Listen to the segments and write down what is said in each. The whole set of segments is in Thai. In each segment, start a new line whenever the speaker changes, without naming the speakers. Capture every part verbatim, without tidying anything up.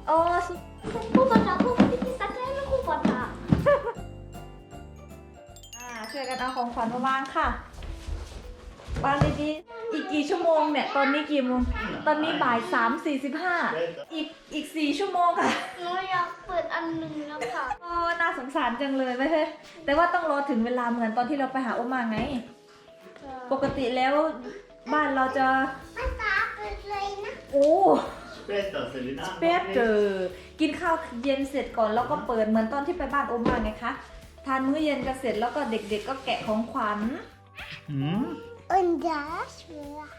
โอ้คู่บอลนะคู่ที่พิซซ่าแก้วคู่บอลนะอ่าช่วยกันเอาของขวัญมาวางค่ะวางดีๆอีกกี่ชั่วโมงเนี่ยตอนนี้กี่โมงตอนนี้บ่ายสามสี่สิบห้าอีกอีกสี่ชั่วโมงค่ะ
หนูอยากเปิดอันหนึ่งแล้วค่ะ
โอ้น่าสงสารจังเลยไม่ใช่แต่ว่าต้องรอถึงเวลาเหมือนตอนที่เราไปหาโอมาไง ปกติแล้วบ้านเราจะ
ภาษาเปิดเลยนะ
โอ้
Später, Selina.
เป๊ะเจอกินข้าวเย็นเสร็จก่อนแล้วก็เปิดเหมือนตอนที่ไปบ้านโอมาไงคะทานมื้อเย็นกันเสร็จแล้วก็เด็กๆก็แกะของขวัญ
Hm?
Und das war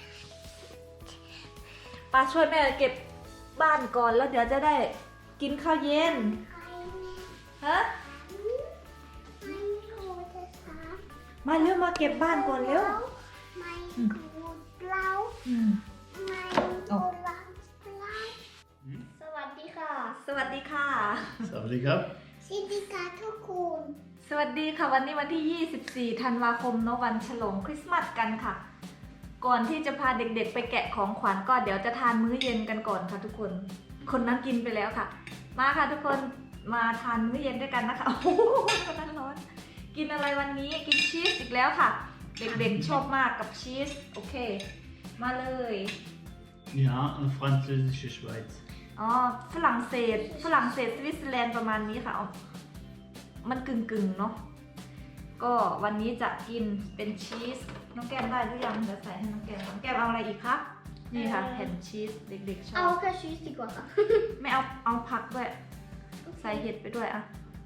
ป้าช่วยแม่เก็บบ้านก่อนแล้วเดี๋ยวจะได้กินข้าวเย็น
eine
ฮะ
mein rotes Haar
มาเร็วมาเก็บบ้านก่อนเร็ว
mein Rot blau
อืม
mein
Oh.
orange blau สวัสดีค่ะ
สวัสดีค่ะ
Sawadika.
สวัสดีค่ะทุกคน
สวัสดีค่ะวันนี้วันที่ยี่สิบสี่ธันวาคมเนอะวันฉลองคริสต์มาสกันค่ะ ก่อนที่จะพาเด็กๆไปแกะของขวัญก็เดี๋ยวจะทานมื้อเย็นกันก่อนค่ะทุกคน คนนั้นกินไปแล้วค่ะ มาค่ะทุกคนมาทานมื้อเย็นด้วยกันนะคะ โอ้โหคนนั้นร้อน กินอะไรวันนี้กินชีสอีกแล้วค่ะ เด็กๆชอบมากกับชีสโอเค มาเลย
Ja, und französische Schweiz.
อ๋อฝรั่งเศสฝรั่งเศสสวิตเซอร์แลนด์ประมาณนี้ค่ะเอามันกึ่งๆเนาะก็วันนี้จะกินเป็นชีสน้องแก้มได้หรือยังเดี๋ยวใส่ให้น้องแก้มน้องแก้มเอาอะไรอีกครับนี่ค่ะแผ่นชีสเด็กๆชอ
เอา
บ
แค่ชีสดีกว่าค่ะ
ไม่เอาเอาผักด้วยใส่เห็ดไปด้วยอะ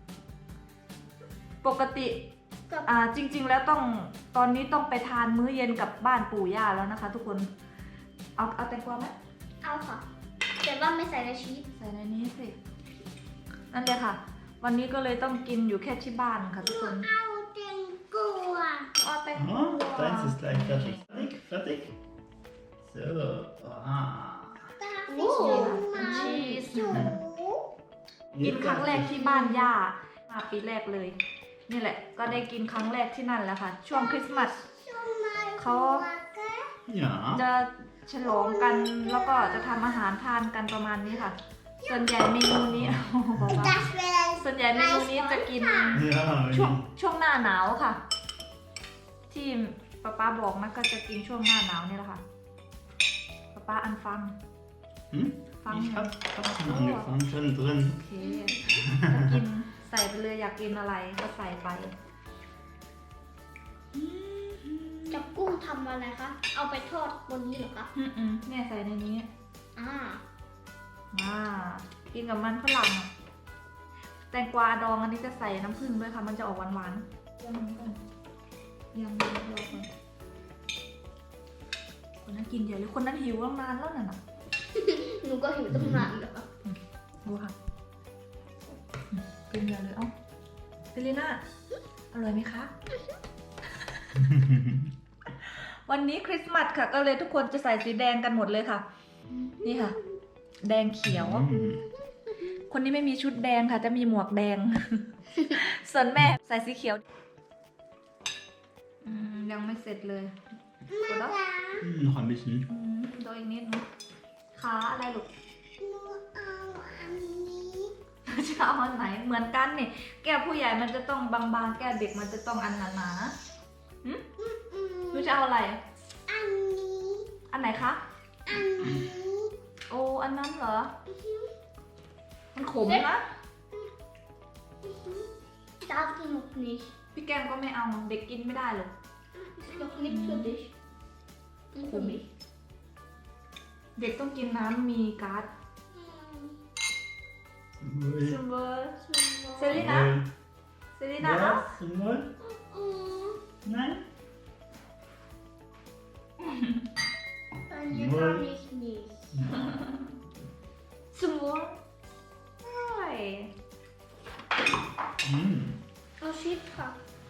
ปกติ
กับ
อ่าจริง ๆ แล้วต้องตอนนี้ต้องไปทานมื้อเย็นกับบ้านปู่ย่าแล้วนะคะ ทุกคนเอาเอาแตงกวาไหม
เอาค่ะ แต่ว่าไม่ใส่ในชีส
ใส่ในนี้สินั่นเลยค่ะ วันนี้ก็เลยต้องกินอยู่แค่ที่บ้านค่ะทุกคน
เอาแตงกวา
อ๋อแตงกวา
Oh, deins ist gleich fertig. Fertig? Fertig? So. Ah.
ตา
โอ้
ฟิชมา
ชีส
จู
กินครั้งแรกที่บ้านย่ามาปีแรกเลย นี่แหละ ก็ได้กินครั้งแรกที่นั่นแหละค่ะ ช่วงคริสต์มาส เขา
Ja.
จะฉลองกันแล้วก็จะทำอาหารทานกันประมาณนี้ค่ะ ส่วนใหญ่เมนูนี้ โอ้โหบอกว่า
Das wäre
ส่วนใหญ่เมนูนี้จะกิน
Ja,
ช่วง
wenn
ช่วงหน้าหนาวค่ะ ที่ป้าป้าบอกนะก็จะกินช่วงหน้าหนาวนี่แหละค่ะป้าป้าอันฟัง
Hm?
Fang
Ich
ja.
hab fast schon angefangen, schon drin.
โอเคก็กินใส่ไปเลยอยากกินอะไรก็ใส่ไป
จับกุ้งทำอะไรคะ เอาไปทอดบนนี้เหรอคะ
อืมอืมเนี่ยใส่ในนี้
อ่า
อ่ากินกับมันฝรั่งอะแตงกวาดองอันนี้จะใส่น้ำผึ้งด้วยค่ะมันจะออกหวานๆยังก่อนยังรอก่อนคนนั้นกินเยอะเลยคนนั้นหิวตั้งนานแล้วน่ะนะ
หนูก็หิวตั้งนานแล้ว
ดูค่ะอืมกินเยอะเลยเอ้าเซรีน่าอร่อยไหมคะ วันนี้คริสต์มาสค่ะ ก็เลยทุกคนจะใส่สีแดงกันหมดเลยค่ะ นี่ค่ะ แดงเขียว
Mm.
คนนี้ไม่มีชุดแดงค่ะ จะมีหมวกแดง ส่วนแม่ใส่สีเขียวอืมยังไม่เสร็จเลยกดแล้ว
Hm, noch ein bisschen.
อืมโดยอีกนิดนึงขาอะไรลูก
หนูเอาอันนี้
จะเอาอันไหนเหมือนกันนี่แก้วผู้ใหญ่มันจะต้องบางๆแก้วเด็กมันจะต้องอันหนาๆหึ
อืม
หนูจะเอาอะไร
อันนี้
อันไหนคะ
อันนี้
โอ้อันนั้นเหรอ มันขมนะ
Das noch nicht
พี่แก้มก็ไม่เอาเด็กกินไม่ได้หรอก
ist noch nicht für dich und für mich
เด็กต้องกินน้ำมีก๊าซ
Ui.
ซูเบอร์
Zum
เซรีน่า
Wohl.
เซรีน่าเอา
Ja, zum Wohl?
Mm,
Nein?
bei mir
Wohl.
kann ich nicht
ซูเบอร์ใช่
Mm.
Oh shit ค่ะ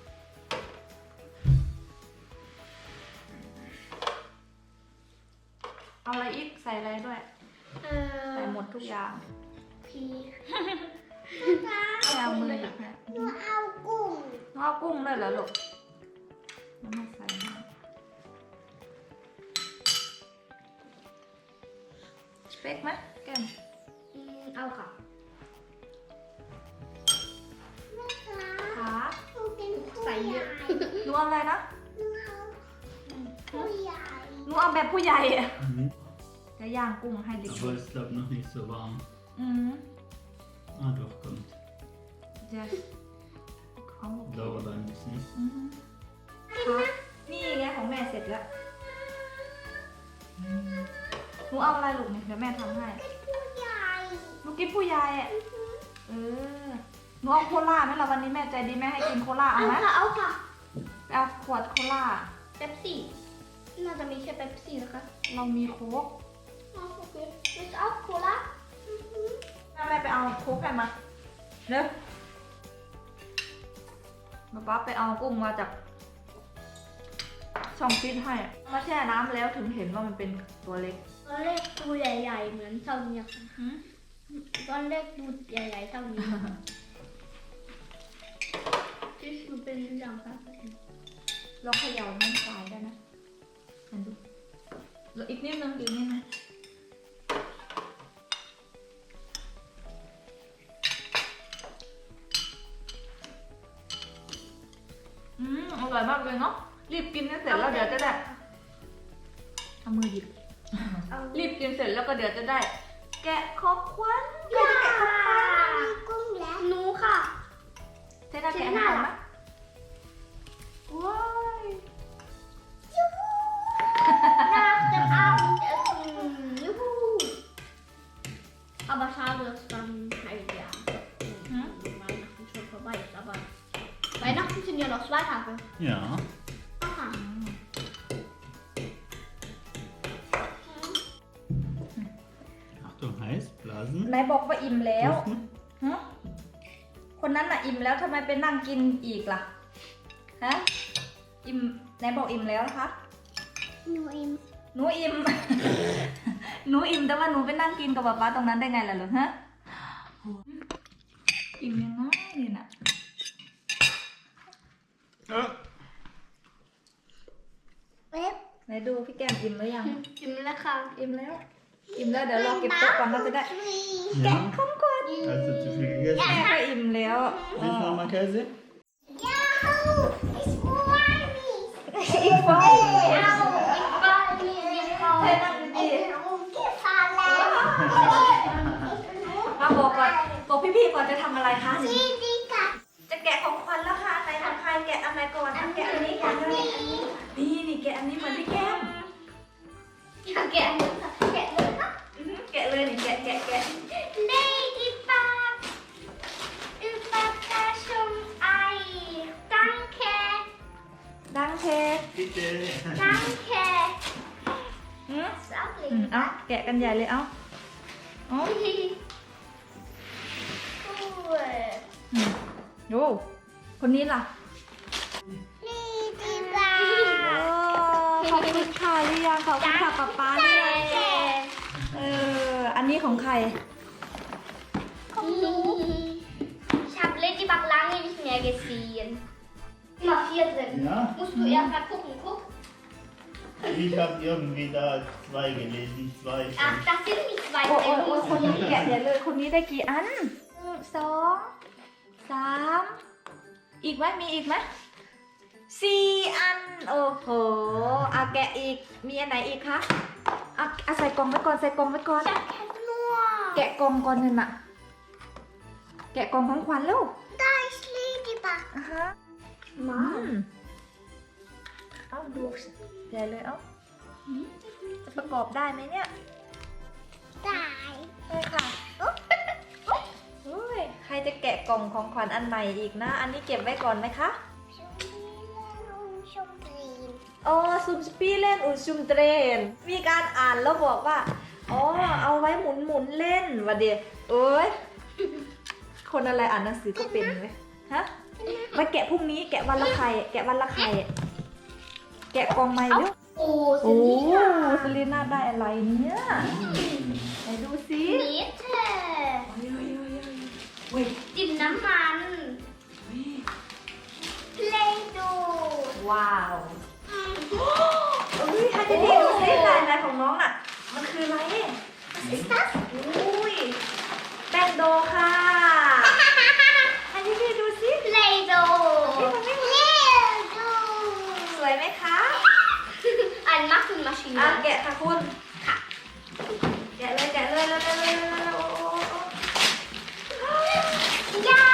เอาอะไรอีกใส่อะไรด้วย
เอ่อ
ใส่หมดทุกอย่าง
พีป้า
ไม่เอามือหยิบนะ
หนูเอากุ้ง
น้องเอากุ้งเลยเหรอลูกแล้วมาใส่นะสเปกไหมแก้ม
อืมเอาค่ะ
ค่ะ
หนูเป็นใส่เยอะ
หนูเอาอะไรนะ
ผู้ใหญ่
หนูเอาแบบผู้ใหญ่อะ
Mhm.
จะย่างกุ้งให้เด็ก
Aber es ist glaube noch nicht so warm.
อืม
Ah doch, kommt.
จะเขาบอก
Dauert ein bisschen.
อืมค่ะนี่ไงของแม่เสร็จแล้วหนูเอาอะไรลูกเนี่ยเดี๋ยวแม่ทำให้
ผู้ใหญ่
หนูกินผู้ใหญ่อะเออหนูเอาโคล่าไหมล่ะวันนี้แม่ใจดีแม่ให้กินโคล่าเอา
เอา
ไหม
ค่ะเอาค่ะ
ไปเอาขวดโคล่า
เป๊ปซี่น่าจะมีแค่เป๊ปซี่นะคะ
เรามีโค้ก
เอาโอเคมิสเอาโคลา
แม่ไปเอาโค้กให้มาเร็วมาป๊าไปเอากุ้งมาจากช่องฟิตให้มาแช่น้ำแล้วถึงเห็นว่ามันเป็นตัวเล็ก
ตอนแรกตัวใหญ่ๆเหมือนเท่านี้ค่ะตอนแรกดูใหญ่ๆเท่านี้ที่คือเป็นอย่างค่ะ
เราเขย่ามันตายได้นะเห็นดูแล้วอีกนิดนึงอีกนิดนึงอืมอร่อยมากเลยเนาะรีบกินให้เสร็จแล้วเดี๋ยวจะได้เอามือหยิบ รีบกินเสร็จแล้วก็เดี๋ยวจะได้ แกะของขวัญใครจะแกะของขวัญ
มีกุ้งแล้วหนูค่ะ
เทน่าแกะ
เท
ให้
น่า
ก่อน
ล่ะ
ไหมว้าย
Nach dem Abendessen. Juhu. Aber schade, dass dann halt ja
Hm?
Weihnachten schon vorbei ist. Aber Weihnachten sind ja noch zwei Tage.
Ja.
Aha.
อืม
Achtung, heiß, blasen.
ไหนบอกว่าอิ่มแล้ว
Pusten.
ฮะคนนั้นน่ะอิ่มแล้วทำไมไปนั่งกินอีกล่ะ ฮะ อิ่มไหนบอกอิ่มแล้วนะคะ
Nur im
หนูอิ่ม หนูอิ่มแต่ว่าหนูไปนั่งกินกับป๊าป๊าตรงนั้นได้ไงล่ะลูกฮะโหอิ่มยังไงเนี่ยน่ะ
Ja.
Web.
ไหนดูพี่แก้มอิ่มหรือยัง
Im Lecker.
อิ่มแล้ว อิ่มแล้วเดี๋ยวเราเก็บโต๊ะก่อนเราจะได้
Ja.
ของขวัญ
Hast du zu viel gegessen?
แม่ก็อิ่มแล้ว
Willst du nochmal Käse?
Yahoo! Ich freue mich.
อีกฟอง
Ich freue mich. Ich freue
ให้
mich.
นั่งดี
Gefallen.
ๆมาบอกก่อนบอกพี่ๆก่อนจะทำอะไรคะ
Chica.
จะแกะของขวัญแล้วค่ะไหนทำใครแกะอันไหนก่อนอ่ะแกะอันนี้ก่อนเลยนี่นี่แกะอันนี้เหมือนพี่แก้ม
Ja, gerne. Gerne.
อื้อหือแกะเลยนี่แกะแกะแกะ
Ladybug. Überraschung Ei. Danke.
ดังเท
Bitte.
Danke.
อืม
Ist auch
อืมเอาแกะกันใหญ่เลยเอาเอา
Cool.
อืมโอ้คนนี้ล่ะ
Ladybug.
โอ้ขอบคุณค่ะหรือยังขอบคุณค่ะป๊าป๊าหรือยัง
Danke.
เอออันนี้ของใคร
Komm du. Ich habe Ladybug lange nicht mehr gesehen. Immer vier drin.
Ja,
Musst du erst mal gucken. Guck.
ich habe irgendwie da zwei gelesen. Zwei.
Ach, das sind nicht zwei
โอ้โอ้โอ้
drin.
คนนี้แกะใหญ่เลยคนนี้ได้กี่อันหนึ่งสองสามอีกไหมมีอีกไหมสี่อันโอ้โหเอาแกะอีกมีอันไหนอีกคะเอาเอาใส่กล่องไว้ก่อนใส่กล่องไว้ก่อน
Ich habe keinen nur.
แกะกล่องก่อนหนึ่งน่ะแกะกล่องของขวัญลูก
Da ist Ladybug.
อ่ะฮะอืมเอาดูใหญ่เลยเอ้าอืมจะประกอบได้ไหมเนี่ย
Da.
ใช่ค่ะโอ้ยใครจะแกะกล่องของขวัญอันใหม่อีกนะ อันนี้เก็บไว้ก่อนไหมคะ อ๋อซุมสปีเล่นอุซุมเทรน มีการอ่านแล้วบอกว่า อ๋อ เอาไว้หมุนหมุนเล่นวะเดียเอ้ย คนอะไรอ่านหนังสือก็เป็นไหมฮะไว้แกะพรุ่งนี้แกะวันละไข่แกะวันละไข่แกะกล่องใหม่เร็ว
Oh,
โอ้
Selina.
สลีน่าได้อะไรเนี่ยไหนดูสิ
Bitte.
เว้ย
ดินน้ำมัน Play-Doh.
ว้าวเอ้ยให้ดีๆดูสิลายลายของน้องน่ะ มันคืออะไร
Was ist das?
อุ้ยแป้งโดค่ะ ให้พี่ๆดูสิ
เลโด เลโด
สวยไหมคะ
อันมักคือมาชิน
อ่ะแกะค่ะคุณ
ค่ะ
แกะเลยแกะเลยเลยเลยเลยเลยโอ้โอ้โอ้
ย่า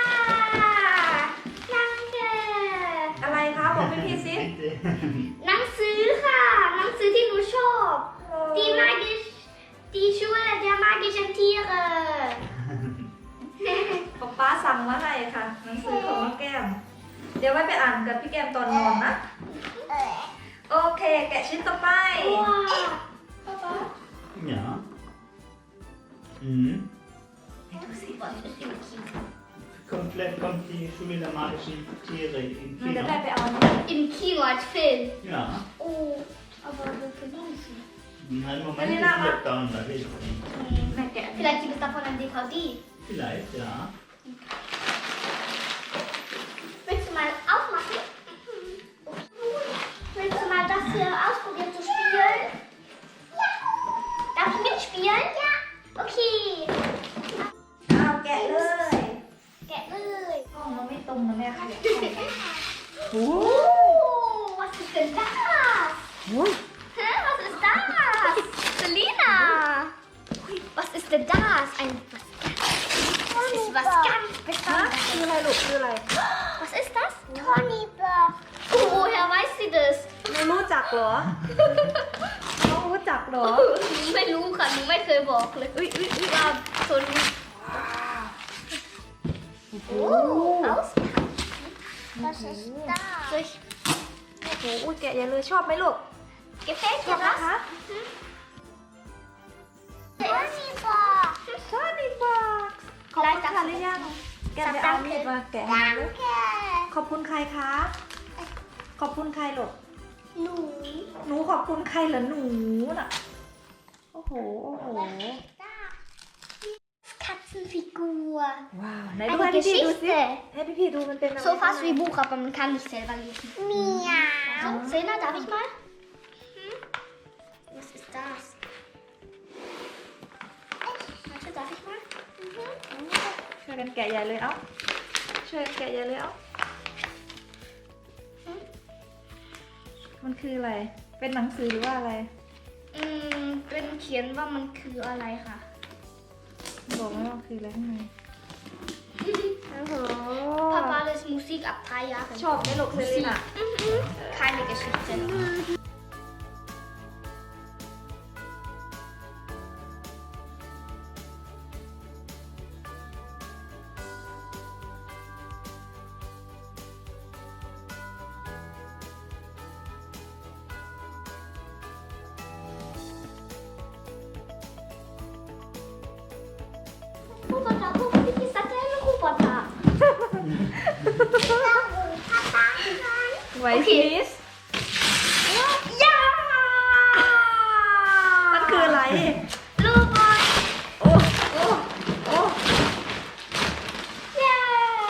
นังเกอ
อะไรคะบอกพี่พี่ๆสิ
Bitte.
หนังสือค่ะ หนังสือที่หนูชอบ Die mag ich, die Schule der magischen Tiere
ป๊าป๊าสั่งมาให้ค่ะหนังสือของน้องแก้ม เดี๋ยวไว้ไปอ่านกับพี่แก้มตอนนอนนะ โอเค แกะชิ้นต่อไป
ว้าว
Ja. Mhm.
ดูสิว่าเป็นสิ่งที่
Komplett kommt die Schule der magischen Tiere in
มันจะ
Kino.
ได้ไปเอานี่
im Kino als Film.
Ja.
Oh, aber wir verdienen sie.
Nein, Moment,
Wenn
ist
ihr da mal-
Lockdown, da will ich nicht.
แม่แกะ
Vielleicht gibt es davon ein D V D.
Vielleicht, ja.
Willst du mal aufmachen? Willst du mal das hier ausprobieren zu spielen? Ja. Darf ich mitspielen? Ja. Okay.
เอาแกะเลย
Getเลย
ห้องมันไม่ตรงนะแม่ค่ะ
โอ้ was ist denn das? Hä, was ist das? Selina! Was ist denn das? Ein was? Das ist was ganz
ฮะ
Besonderes.
คืออะไรลูกคืออะไร
Was ist das? Tony Bird. Oh, woher weiß sie das?
หนูรู้จักเหรอ น้องรู้จักเหรอ
หนูไม่รู้ค่ะ หนูไม่เคยบอกเลย
อุ้ยอุ้ยอุ้ย
ว่าโทนี่
โอ้
auspacken. Was ist das? Soll ich
โอ้โหอุ้ยแกะอย่าเลยชอบไหมลูก
gefällt
ชอบ
dir
นะ
das?
คะ
Tony Bird.
ชอบนี่บอกขอบคุณค่ะหรือยัง แกะไปเอามีดมาแกะให้ลูก
Danke.
ขอบคุณใครคะ ขอบคุณใครลูก
หนู
หนูขอบคุณใครเหรอหนูน่ะ โอ้โห โอ้โห
Katzenfigur.
ว้าวไหนดู
Eine
ให้พี่ๆดูสิ
Geschichte.
ให้พี่ๆดูมันเป็นอะไร
So fast wie Buch, aber man kann nicht selber lesen. Miau. So, Selena, darf ich mal? Hm? Was ist das? Warte, darf ich mal?
ช่วยกันแกะใหญ่เลยเอ้า ช่วยกันแกะใหญ่เลยเอ้า มันคืออะไร เป็นหนังสือหรือว่าอะไร
อืม เป็นเขียนว่ามันคืออะไรค่ะ
บอกไหมว่ามันคืออะไรข้างใน โอ้โห
Papa lässt Musik ab drei Jahren.
ชอบไหมลูกเซรีน่ะ
Mhm. Keine Geschichte. Roboter, guck, wie ist das denn? Roboter.
ไวท์
โอเค
มิส
Ja!
มันคืออะไร
Robot!
โอ้โอ้โอ้
Ja!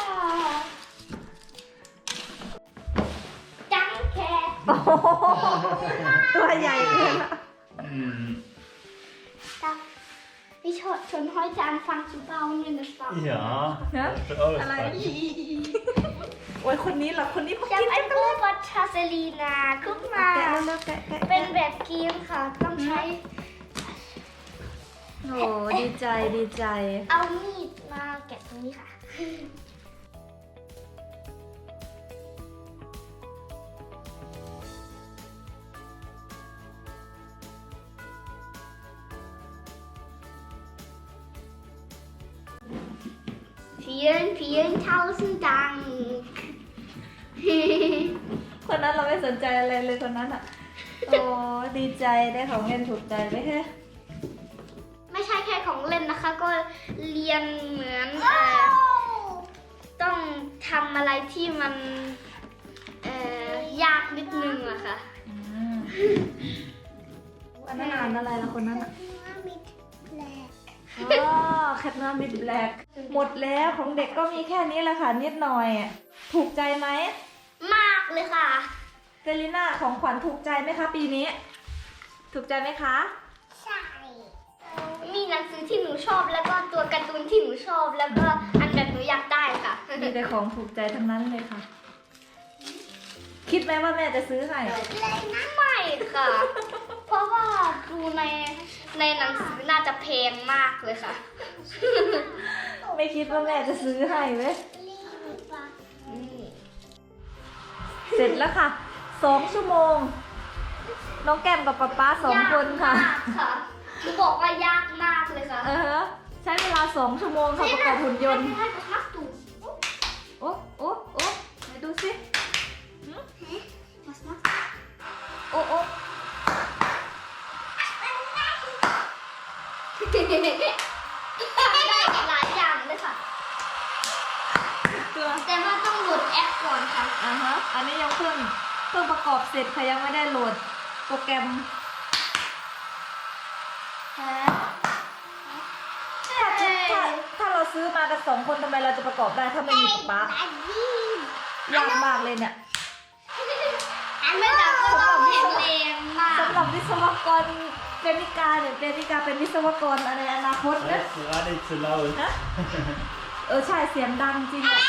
Danke!
โอ้โหตัวใหญ่เกินละ
Mhm.
Darf ich ho- schon heute anfangen zu bauen, wenn es warm ist?
Ja.
Ja?
Das wird auch
อะไร
spannend.
โอ้ยคนนี้เหรอ คนนี้เขา
Ich
กิน
habe einen Roboter, Selina. Guck
แกะ
mal.
เร็วๆแกะแกะ
เป็น
แกะ
แบบเกมค่ะ ต้องใช้
โอ้ดีใจดีใจ
เอามีดมาแกะตรงนี้ค่ะ Vielen, vielen tausend Dank.
คนนั้นเราไม่สนใจอะไรเลยคนนั้นอ่ะ โอ้ดีใจได้ของเล่นถูกใจไหมแค่
ไม่ใช่แค่ของเล่นนะคะ ก็เรียนเหมือนเอ่อต้องทำอะไรที่มันเอ่อยากนิดนึงอะค่ะ
อืมอันนั้นอ่านอะไรละคนนั้นอ่ะ อ๋อแคทนามิดแบล็กหมดแล้วของเด็กก็มีแค่นี้แหละค่ะ นิดหน่อยอะถูกใจไหม
มากเลยค่ะ
เซรีน่าของขวัญถูกใจไหมคะปีนี้ ถูกใจไหมคะ
ใช่ มีหนังสือที่หนูชอบแล้วก็ตัวการ์ตูนที่หนูชอบแล้วก็อันแบบหนูอยากได้ค่ะ
มีแต่ของถูกใจทั้งนั้นเลยค่ะ คิดไหมว่าแม่จะซื้อให้
ไม่ค่ะ เพราะว่าดูในในหนังสือน่าจะแพงมากเลยค่ะ
ไม่คิดว่าแม่จะซื้อให้เว้ย
อืม
เสร็จแล้วค่ะสองชั่วโมง น้องแก้มกับป๊าป๊าสองคนค่ะ
ยากมากค่ะหนูบอกว่ายากมากเลยค่ะ
เออใช้เวลาสองชั่วโมงค่ะประกอบหุ่นยนต์
ให้ให้ดู
โอ้โอ้โอ้ไหนดูสิ
Was machst
โอ้โอ้
du? ทำได้หลายอย่างเลยค่ะ
ตัว
แต่ว่าต้องโหลดแอปก่อนค่ะ
อ่าฮะอันนี้ยังเพิ่งเพิ่งประกอบเสร็จค่ะยังไม่ได้โหลดโปรแกรม
ฮะ
ถ้าถ้าถ้าเราซื้อมากันสองคนทำไมเราจะประกอบได้ถ้าไม่มีป๊าป๊ายากมากเลยเนี่ย
อันไม่ดับก็ต้องแข็งแรงมาก
สำหรับวิศวกรเปนิกาเนี่ยเปนิกาเป็นวิศวกรในอนาคตนะ
That's gerade zu laut.
นะเออใช่เสียงดังจริงอะ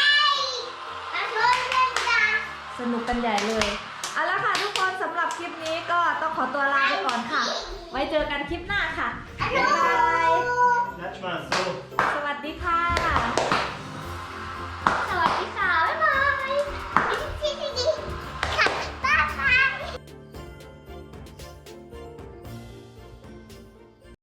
สนุกกันใหญ่เลยเอาละค่ะทุกคนสำหรับคลิปนี้ก็ต้องขอตัวลาไปก่อนค่ะ ไว้เจอกันคลิปหน้าค่ะบ๊ายบาย
Klatsch mal so.
สวัสดีค่ะ